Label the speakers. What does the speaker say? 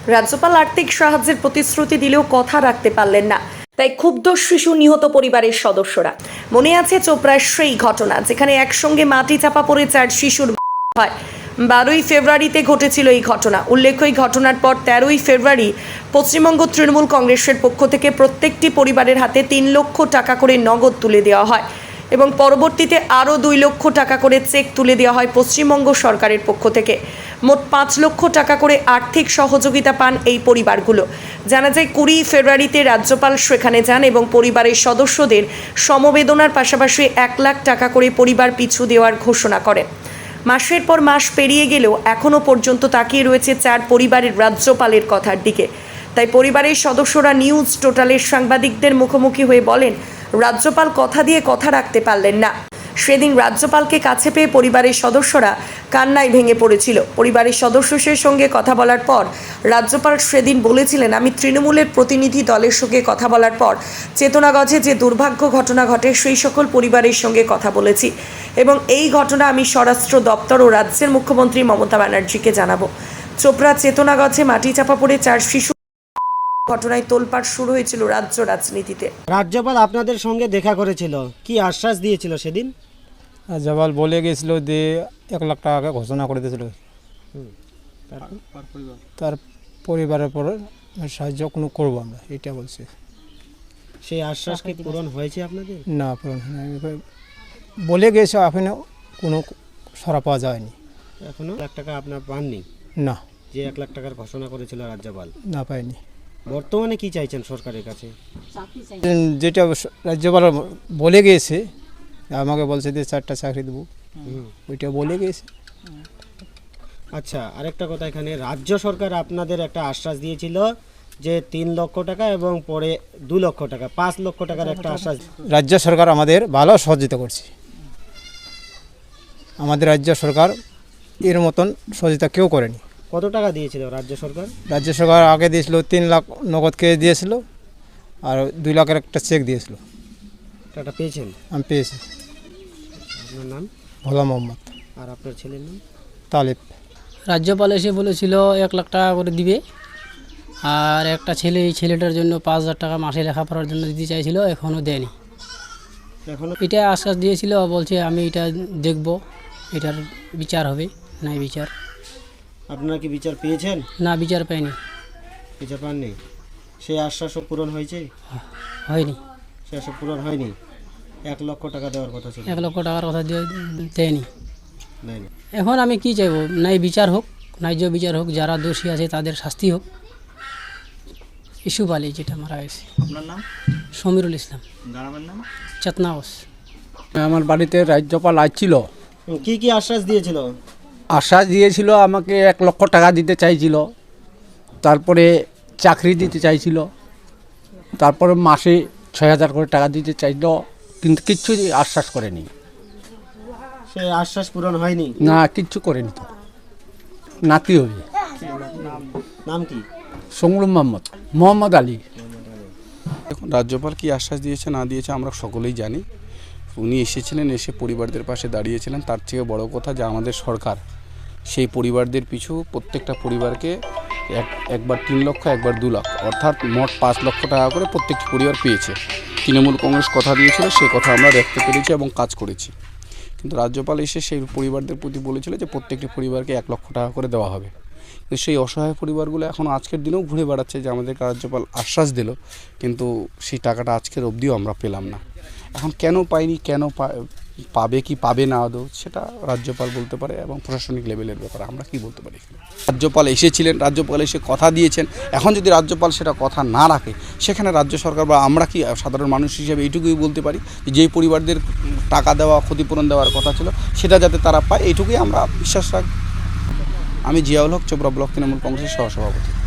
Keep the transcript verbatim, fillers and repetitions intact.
Speaker 1: রাজ্যপাল আর্থিক সাহায্যের প্রতিশ্রুতি দিলেও কথা রাখতে পারলেন না, তাই ক্ষুব্ধ শিশু নিহত পরিবারের সদস্যরা। মনে আছে চোপড়ার সেই ঘটনা যেখানে একসঙ্গে মাটি চাপা পড়ে চার শিশুর হয়। বারোই ফেব্রুয়ারিতে ঘটেছিল এই ঘটনা। উল্লেখ্য, এই ঘটনার পর তেরোই ফেব্রুয়ারি পশ্চিমবঙ্গ তৃণমূল কংগ্রেসের পক্ষ থেকে প্রত্যেকটি পরিবারের হাতে তিন লক্ষ টাকা করে নগদ তুলে দেওয়া হয় এবং পরবর্তীতে আরও দুই লক্ষ টাকা করে চেক তুলে দেওয়া হয় পশ্চিমবঙ্গ সরকারের পক্ষ থেকে। মোট পাঁচ লক্ষ টাকা করে আর্থিক সহযোগিতা পান এই পরিবারগুলো। জানা যায়, কুড়ি ফেব্রুয়ারিতে রাজ্যপাল সেখানে যান এবং পরিবারের সদস্যদের সমবেদনার পাশাপাশি এক লাখ টাকা করে পরিবার পিছু দেওয়ার ঘোষণা করেন। মাসের পর মাস পেরিয়ে গেলেও এখনও পর্যন্ত তাকিয়ে রয়েছে চার পরিবারের রাজ্যপালের কথার দিকে। তাই পরিবারের সদস্যরা নিউজ টোটালের সাংবাদিকদের মুখোমুখি হয়ে বলেন, রাজ্যপাল কথা দিয়ে কথা রাখতে পারলেন না। সেদিন রাজ্যপালকে কাছে পেয়ে পরিবারের সদস্যরা কান্নায় ভেঙে পড়েছিল। পরিবারের সদস্যদের সঙ্গে কথা বলার পর রাজ্যপাল সেদিন বলেছিলেন, আমি তৃণমূলের প্রতিনিধি দলের সঙ্গে কথা বলার পর চেতনাগঞ্জে যে দুর্ভাগ্য ঘটনা ঘটে সেই সকল পরিবারের সঙ্গে কথা বলেছি এবং এই ঘটনা আমি স্বরাষ্ট্র দপ্তর ও রাজ্যের মুখ্যমন্ত্রী মমতা ব্যানার্জিকে জানাবো। চোপড়া চেতনাগঞ্জে মাটি চাপা পড়ে চার শিশু ঘটনায় তোলপাড় শুরু হয়েছিল রাজ্য রাজনীতিতে।
Speaker 2: রাজ্যপাল আপনাদের সঙ্গে দেখা করেছিল, কি আশ্বাস দিয়েছিল সেদিন?
Speaker 3: রাজ্যপাল বলে গেছিল যে এক লাখ টাকা ঘোষণা করে দিয়েছিল, তার পরিবারের পর সাহায্য কোনো করবো আমরা, এটা বলছে।
Speaker 2: সেই আশ্বাস কি পূরণ হয়েছে আপনাদের?
Speaker 3: না, পূরণ হয়নি। বলে গেছে, এখনো কোনো সরা পাওয়া যায়নি।
Speaker 2: এখনো লাখ টাকা আপনার পাননি?
Speaker 3: না।
Speaker 2: যে এক লাখ টাকার ঘোষণা করেছিল রাজ্যপাল?
Speaker 3: না, পাইনি।
Speaker 2: বর্তমানে কি চাইছেন সরকারের কাছে?
Speaker 3: যেটা রাজ্যপাল বলে গিয়েছে, আমাকে বলছে যে চারটা চাকরি দেবো, ওইটা বলে গিয়েছে।
Speaker 2: আচ্ছা, আরেকটা কথা, এখানে রাজ্য সরকার আপনাদের একটা আশ্বাস দিয়েছিল যে তিন লক্ষ টাকা এবং পরে দু লক্ষ টাকা, পাঁচ লক্ষ টাকার একটা আশ্বাস।
Speaker 3: রাজ্য সরকার আমাদের ভালো সহযোগিতা করছে। আমাদের রাজ্য সরকার এর মতন সহযোগিতা কেউ করেনি।
Speaker 2: কত টাকা দিয়েছিল রাজ্য সরকার?
Speaker 3: রাজ্য সরকার আগে দিয়েছিল তিন লাখ নগদ কে দিয়েছিল, আর দুই লাখের একটা চেক দিয়েছিল।
Speaker 2: টাকা পেয়েছেন?
Speaker 3: আমি পেয়েছি।
Speaker 2: আপনার নাম?
Speaker 3: ভোলা মোহাম্মদ।
Speaker 2: আর আপনার ছেলের নাম?
Speaker 3: তালিব।
Speaker 4: রাজ্যপাল এসে বলেছিল এক লাখ টাকা করে দিবে, আর একটা ছেলে, এই ছেলেটার জন্য পাঁচ হাজার টাকা মাসে লেখাপড়ার জন্য দিতে চাইছিল, এখনও দেয়নি।
Speaker 2: এখনো
Speaker 4: এটা আশ্বাস দিয়েছিল, বলছে আমি এটা দেখব, এটার বিচার হবে। নাই বিচার।
Speaker 2: আপনারা কি বিচার পেয়েছেন?
Speaker 4: না, বিচার পাইনি।
Speaker 2: বিচার পাননি? সেই আশ্বাসও পূরণ হয়েছে?
Speaker 4: হয়নি।
Speaker 2: সে আশ্বাস পূরণ হয়নি। এক লক্ষ টাকা দেওয়ার কথা ছিল,
Speaker 4: এক লক্ষ টাকার কথা দিয়ে দেয়নি।
Speaker 2: দেয়নি।
Speaker 4: এখন আমি কি চাইবো? নাই বিচার হোক, ন্যায্য বিচার হোক, যারা দোষী আছে তাদের শাস্তি হোক। ইস্যু পালি যেটা মারা গেছে।
Speaker 5: আপনার নাম?
Speaker 4: সমীরুল ইসলাম।
Speaker 5: গ্রামের নাম?
Speaker 4: চেতনাগঞ্জ।
Speaker 6: আমার বাড়িতে রাজ্যপাল আসছিল,
Speaker 2: কি কি আশ্বাস দিয়েছিল?
Speaker 6: আশ্বাস দিয়েছিল আমাকে এক লক্ষ টাকা দিতে চাইছিল, তারপরে চাকরি দিতে চাইছিল, তারপরে মাসে ছয় হাজার করে টাকা দিতে চাইল, কিন্তু কিচ্ছু আশ্বাস করেনি।
Speaker 2: সেই আশ্বাস পূরণ হয়নি?
Speaker 6: না, কিচ্ছু করেনি। তো নাতি হবে।
Speaker 2: নাম কি?
Speaker 6: সংগ্রাম মোহাম্মদ মোহাম্মদ আলী।
Speaker 7: এখন রাজ্যপাল কি আশ্বাস দিয়েছে না দিয়েছে আমরা সকলেই জানি। উনি এসেছিলেন, এসে পরিবারদের পাশে দাঁড়িয়েছিলেন। তার থেকে বড় কথা যে আমাদের সরকার সেই পরিবারদের পিছু প্রত্যেকটা পরিবারকে এক একবার তিন লক্ষ একবার দু লাখ অর্থাৎ মোট পাঁচ লক্ষ টাকা করে প্রত্যেকটি পরিবার পেয়েছে। তৃণমূল কংগ্রেস কথা দিয়েছিল, সে কথা আমরা রাখতে পেরেছি এবং কাজ করেছি। কিন্তু রাজ্যপাল এসে সেই পরিবারদের প্রতি বলেছিল যে প্রত্যেকটি পরিবারকে এক লক্ষ টাকা করে দেওয়া হবে। কিন্তু সেই অসহায় পরিবারগুলো এখন আজকের দিনেও ঘুরে বেড়াচ্ছে যে আমাদেরকে রাজ্যপাল আশ্বাস দিল, কিন্তু সেই টাকাটা আজকের অবধিও আমরা পেলাম না। এখন কেন পাইনি, কেন পাবে কি পাবে না আদৌ, সেটা রাজ্যপাল বলতে পারে এবং প্রশাসনিক লেভেলের ব্যাপারে আমরা কি বলতে পারি। রাজ্যপাল এসেছিলেন, রাজ্যপাল এসে কথা দিয়েছেন। এখন যদি রাজ্যপাল সেটা কথা না রাখে, সেখানে রাজ্য সরকার বা আমরা কি সাধারণ মানুষ হিসেবে এইটুকুই বলতে পারি যেই পরিবারদের টাকা দেওয়া, ক্ষতিপূরণ দেওয়ার কথা ছিল সেটা যাতে তারা পায়, এইটুকুই আমরা বিশ্বাস রাখি। আমি জিয়াউল হক, চোপড়া ব্লক তৃণমূল কংগ্রেসের সহসভাপতি।